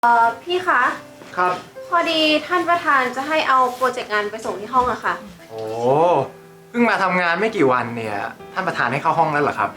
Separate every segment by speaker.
Speaker 1: พี่คะ
Speaker 2: ครับ
Speaker 1: พอดีท่านประธานจะให้เอาโปรเจกต์งานไปส่งที่ห้องอะค่ะ
Speaker 2: โอ้เพิ่งมาทำงานไม่กี่วันเนี่ยท่านประธานให้เข้าห้องแล้วเหรอครับ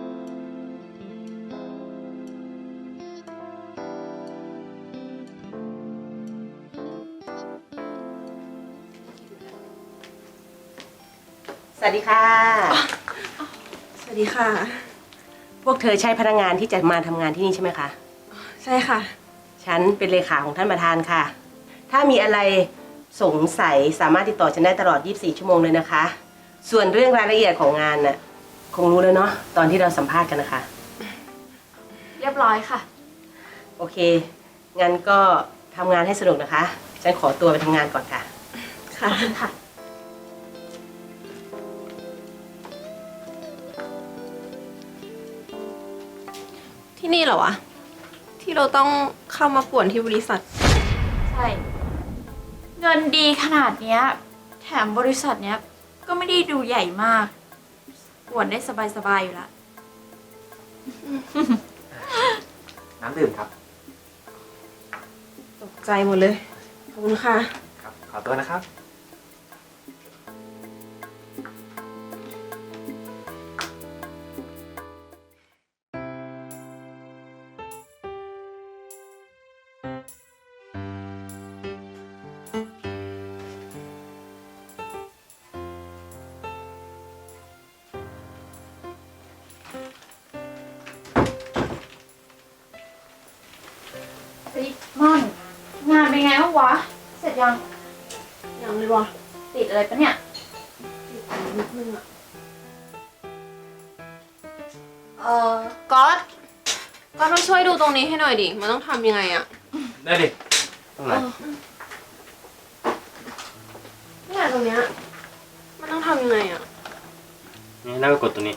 Speaker 3: สวัสดีค่ะ
Speaker 1: สวัสดีค่ะ
Speaker 3: พวกเธอใช่พนักงานที่จะมาทำงานที่นี่ใช่ไหมคะ
Speaker 1: ใช่ค่ะ
Speaker 3: ฉันเป็นเลขาของท่านประธานค่ะ ถ้ามีอะไรสงสัยสามารถติดต่อฉันได้ตลอด 24 ชั่วโมงเลยนะคะ ส่วนเรื่องรายละเอียดของงานน่ะคงรู้แล้วเนาะตอนที่เราสัมภาษณ์กันนะคะ
Speaker 1: เรียบร้อยค่ะ
Speaker 3: โอเค งั้นก็ทำงานให้สนุกนะคะ ฉันขอตัวไปทำงานก่อนค่ะ
Speaker 1: ค่ะค่ะ ที่นี่เหรอวะ ที่เราต้องเข้ามาป่วนที่บริษัท
Speaker 4: ใช่ เงินดีขนาดเนี้ยแถมบริษัทเนี้ยก็ไม่ได้ดูใหญ่มากปวดได้สบายๆอยู่ละ
Speaker 2: น้ำดื่มครับ
Speaker 1: ตกใจหมดเลย ขอบคุณค่ะ
Speaker 2: ครับขอตัวนะครับ
Speaker 4: เฮ้ยม่อนงานเป็นไงบ้างวะ เสร็จยัง
Speaker 1: ยังเลยวะ
Speaker 4: ติดอะไรปะเนี่ย
Speaker 1: ติดอยู่นิดนึงอะก๊อตมาช่วยดูตรงนี้ให้หน่อยดิ มันต้องทำยังไงอะ
Speaker 2: ได้ดิตรงไหน
Speaker 1: เนี่ยตรงเนี้ย มันต้องทำยังไงอะ
Speaker 5: นี่แล้วก็กดตัวนี้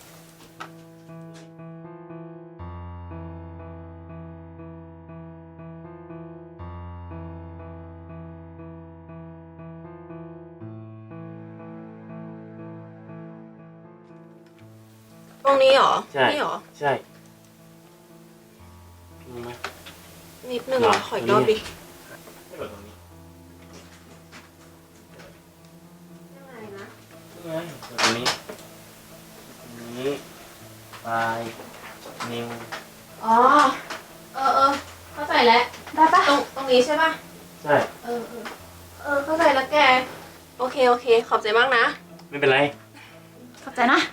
Speaker 1: ตรงนี้เหรอ
Speaker 5: ใช่
Speaker 1: นี่เหรอ
Speaker 5: ใช่นี่ไหม
Speaker 1: นิดนึงเหรอ ขออีกรอบดิ
Speaker 5: ให้กดตรงนี้
Speaker 1: ยังไงนะ
Speaker 5: นี่ไงกดตรงนี้ตรงนี้ปลายนิ้ว
Speaker 1: อ๋อ เข้าใจแล้ว
Speaker 4: ได้ปะ
Speaker 1: ตรงนี้ใช่ปะ
Speaker 5: ใช่
Speaker 1: เข้าใจแล้วแก โอเค ขอบใจมากนะ
Speaker 5: ไม่เป็นไร
Speaker 4: ขอบใจนะ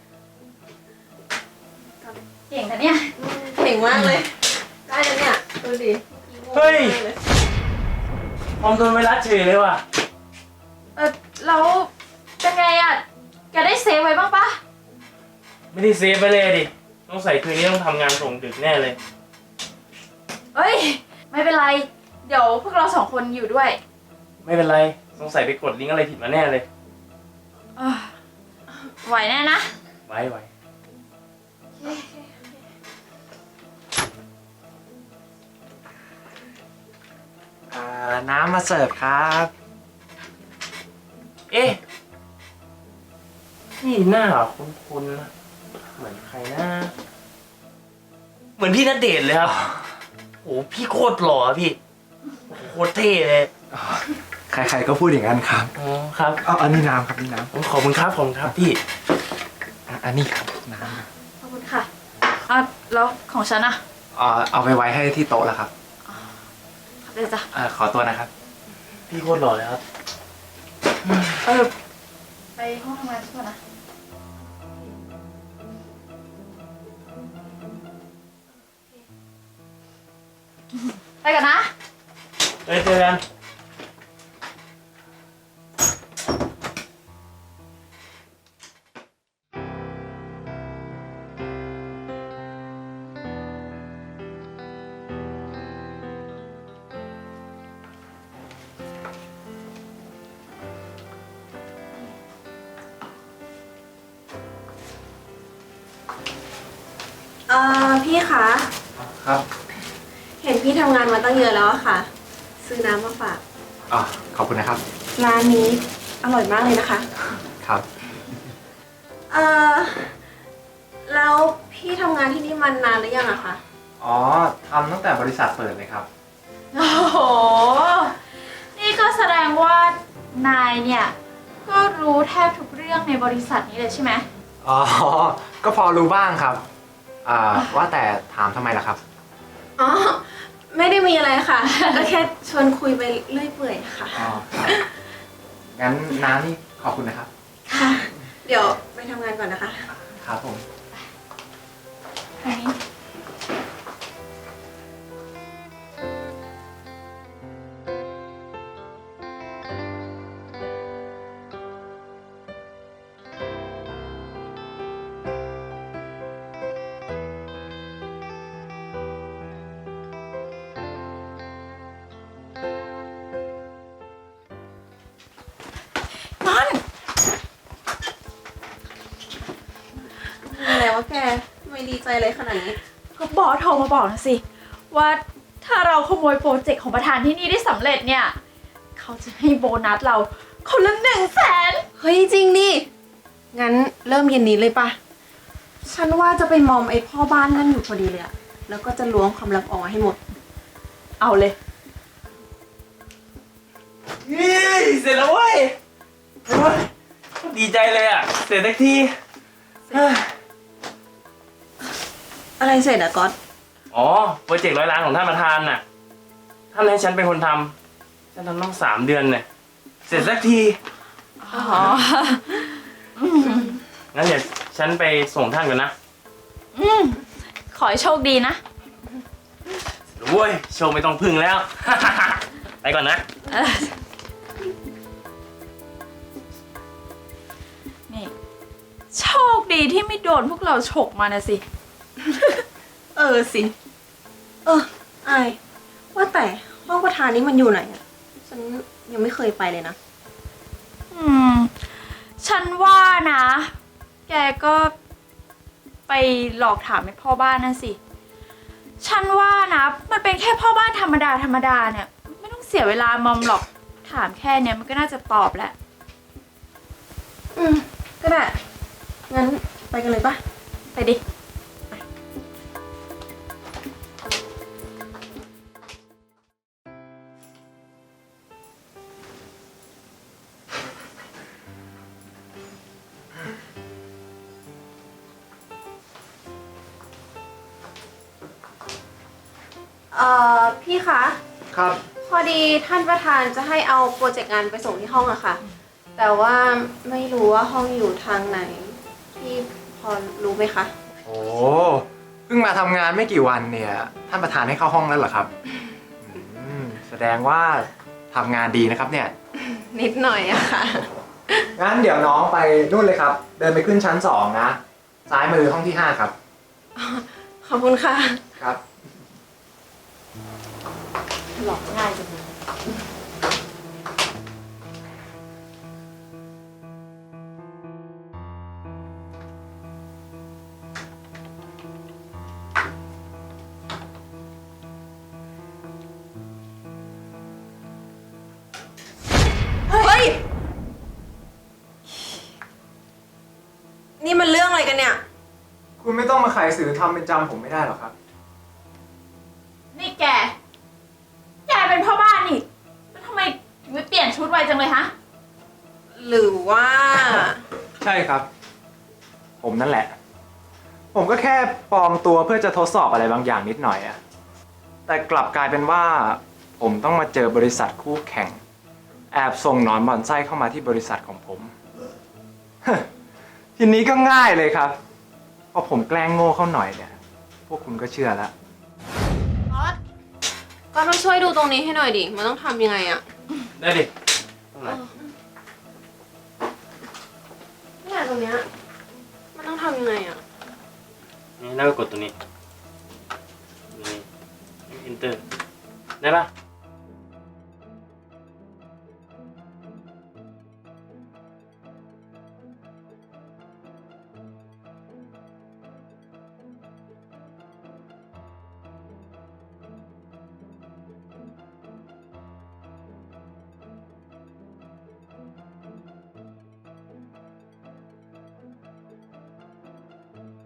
Speaker 4: เก่งแต่เนี่ย
Speaker 1: เก่งมากเลย ได้แล้วเนี่ย ดูดิ
Speaker 5: เฮ้ย คอมโดนไวรัสเฉยเลยว่ะ
Speaker 4: แล้วเป็นไงอ่ะ แกได้เซฟไว้บ้างปะ
Speaker 5: ไม่ได้เซฟไปเลยดิต้องใส่คืนนี้ต้องทำงานส่งดึกแน่เลย
Speaker 4: เฮ้ย ไม่เป็นไร เดี๋ยวพวกเราสองคนอยู่ด้วย
Speaker 5: ไม่เป็นไรสงสัยไปกดลิงก์อะไรผิดมาแน่เลย
Speaker 4: เอ้อไหวแน่นะ
Speaker 5: ไว้
Speaker 2: น้ำมาเสิร์ฟครับ
Speaker 5: เอ๊ะพี่หน้าคุ้นๆนะเหมือนใครนะเหมือนพี่ณเดชน์เลยครับโอ้พี่โคตรหล่อพี่โอ้โหโคตรเท่เลย
Speaker 2: ใครๆก็พูดอย่างนั้นครับ
Speaker 5: อ๋อครับ
Speaker 2: อันนี้น้ำครับนี่น้
Speaker 5: ขอบคุณครับพี่
Speaker 2: ำอันนี้ครับน้ำ
Speaker 4: ขอบคุณค่ะอ่ะแล้วของฉันอ่ะ
Speaker 2: เอาไปไว้ให้ที่โต๊ะแล้วครับ
Speaker 4: ขอบใจจ้ะ
Speaker 2: ขอตัวนะครับ
Speaker 5: พี่โคตรหล่อเลยครับ
Speaker 4: ไปห้องทำงานก่อนนะ ไปกันนะ
Speaker 5: เจอกัน
Speaker 1: พี่คะ
Speaker 2: ครับ
Speaker 1: เห็นพี่ทำงานมาตั้งเยอะแล้วอะค่ะ ซื้อน้ำมาฝาก
Speaker 2: ขอบคุณนะครับ
Speaker 1: ร้านนี้อร่อยมากเลยนะคะ
Speaker 2: ครับ
Speaker 1: แล้วพี่ทำงานที่นี่มานานหรือยังอะคะ
Speaker 2: ทำตั้งแต่บริษัทเปิดเลยครับ
Speaker 4: โอ้โห นี่ก็แสดงว่านายเนี่ย ก็รู้แทบทุกเรื่องในบริษัทนี้เลยใช่ไหม
Speaker 2: อ๋อ ก็พอรู้บ้างครับ ว่าแต่ถามทำไมล่ะครับ
Speaker 1: อ๋อ ไม่ได้มีอะไรค่ะ ก็แค่ชวนคุยไปเรื่อยเปื่อยค่ะ
Speaker 2: อ๋อครับงั้นน้ำนี่ขอบคุณนะครับ
Speaker 1: ค่ะ เดี๋ยวไปทำงานก่อนนะคะ
Speaker 2: ครับผม
Speaker 4: อันนี้
Speaker 1: อะไรวะแกไม่ดีใจเลยขนาดนี้
Speaker 4: ก็บอสโทรมาบอกนะสิ ว่าถ้าเราขโมยโปรเจกต์ของประธานที่นี่ได้สำเร็จเนี่ย เขาจะให้โบนัสเราคนละ100,000
Speaker 1: เฮ้ยจริงดิ งั้นเริ่มเย็นนี้เลยปะ ฉันว่าจะไปมอมไอ้พ่อบ้านนั่นอยู่พอดีเลยอะแล้วก็จะล้วงความลับออกมาให้หมด
Speaker 4: เอาเลย
Speaker 5: นี่เสร็จแล้วเว้ยโอ้ยดีใจเลยอ่ะ เสร็จสักทีเฮ้ย
Speaker 1: อะไรเสร็จอะก๊อต
Speaker 5: อ๋อ โปรเจกต์100 ล้านของท่านประธานน่ะ ท่านให้ฉันเป็นคนทำฉันทำต้อง3 เดือนเนี่ย เสร็จสักที
Speaker 4: อ๋อ
Speaker 5: งั้นเดี๋ยวฉันไปส่งท่านก่อนนะ
Speaker 4: ขอให้โชคดีนะ
Speaker 5: โว้ย โชว์ไม่ต้องพึ่งแล้ว ไปก่อนนะ
Speaker 4: นี่ โชคดีที่ไม่โดนพวกเราฉกมานะสิ
Speaker 1: เออสิ ไอายว่าแต่ห้องประธานนี้มันอยู่ไหนอะฉันยังไม่เคยไปเลยนะ
Speaker 4: ฉันว่านะ แกก็ไปหลอกถามไอ้พ่อบ้านนั่นสิ ฉันว่านะ มันเป็นแค่พ่อบ้านธรรมดาธรรมดาเนี่ย ไม่ต้องเสียเวลามอมหรอก ถามแค่เนี้ยมันก็น่าจะตอบแหละ
Speaker 1: ก็ได้ งั้นไปกันเลยปะ
Speaker 4: ไปดิ
Speaker 1: พี่คะ
Speaker 2: ครับ
Speaker 1: พอดีท่านประธานจะให้เอาโปรเจกต์งานไปส่งที่ห้องอะค่ะ แต่ว่าไม่รู้ว่าห้องอยู่ทางไหน พี่พอรู้ไหมคะ
Speaker 2: โอ้เพิ่งมาทำงานไม่กี่วันเนี่ย ท่านประธานให้เข้าห้องแล้วเหรอครับ แสดงว่าทำงานดีนะครับเนี่ย
Speaker 1: นิดหน่อยอะค่ะ
Speaker 2: งั้นเดี๋ยวน้องไปนู่นเลยครับ เดินไปขึ้นชั้น2นะ ซ้ายมือห้องที่5ครับ
Speaker 1: ขอบคุณค่ะ
Speaker 2: ครับ
Speaker 4: หลอกง่ายจังเลย
Speaker 1: เฮ้ย นี่มันเรื่องอะไรกันเนี่ย
Speaker 2: คุณไม่ต้องมาขายสื่อทำเป็นจำผมไม่ได้หรอกครับ
Speaker 4: นี่แก แกเป็นพ่อบ้านนี่แล้วทำไมถึงไม่เปลี่ยนชุดไวจังเลยฮะ
Speaker 1: หรือว่า
Speaker 2: ใช่ครับ ผมนั่นแหละ ผมก็แค่ปลอมตัวเพื่อจะทดสอบอะไรบางอย่างนิดหน่อยอะแต่กลับกลายเป็นว่า ผมต้องมาเจอบริษัทคู่แข่ง แอบส่งหนอนบ่อนไส้เข้ามาที่บริษัทของผม ทีนี้ก็ง่ายเลยครับพอผมแกล้งโง่เข้าหน่อยเนี่ย พวกคุณก็เชื่อแล้ว
Speaker 1: ก็ต้องช่วยดูตรงนี้ให้หน่อยดิ มันต้องทำยังไงอะ
Speaker 5: ได้ดิตรงไหน
Speaker 1: เนี่ยตรงเนี้ย มันต้องทำยังไงอะ
Speaker 5: นี่แล้วก็กดตัวนี้ นี่ enter ได้ปะ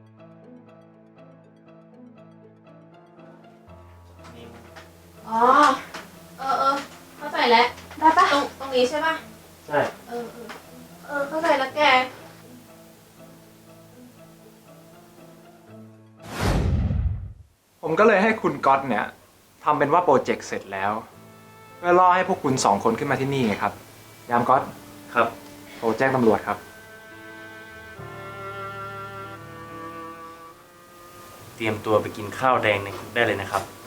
Speaker 5: นี่
Speaker 1: อ๋อแล้ว
Speaker 4: ได้ปะ
Speaker 1: ตรงนี้ใช่ปะ
Speaker 5: ใช่
Speaker 1: เข้าใจแล้วแก
Speaker 2: ผมก็เลยให้คุณก๊อตเนี่ยทำเป็นว่าโปรเจกต์เสร็จแล้ว เพื่อล่อให้พวกคุณ2 คนขึ้นมาที่นี่ไงครับ ยามก๊อต
Speaker 5: ครับ
Speaker 2: โทรแจ้งตำรวจครับ
Speaker 5: เตรียมตัวไปกินข้าวแดงในคุกได้เลยนะครับ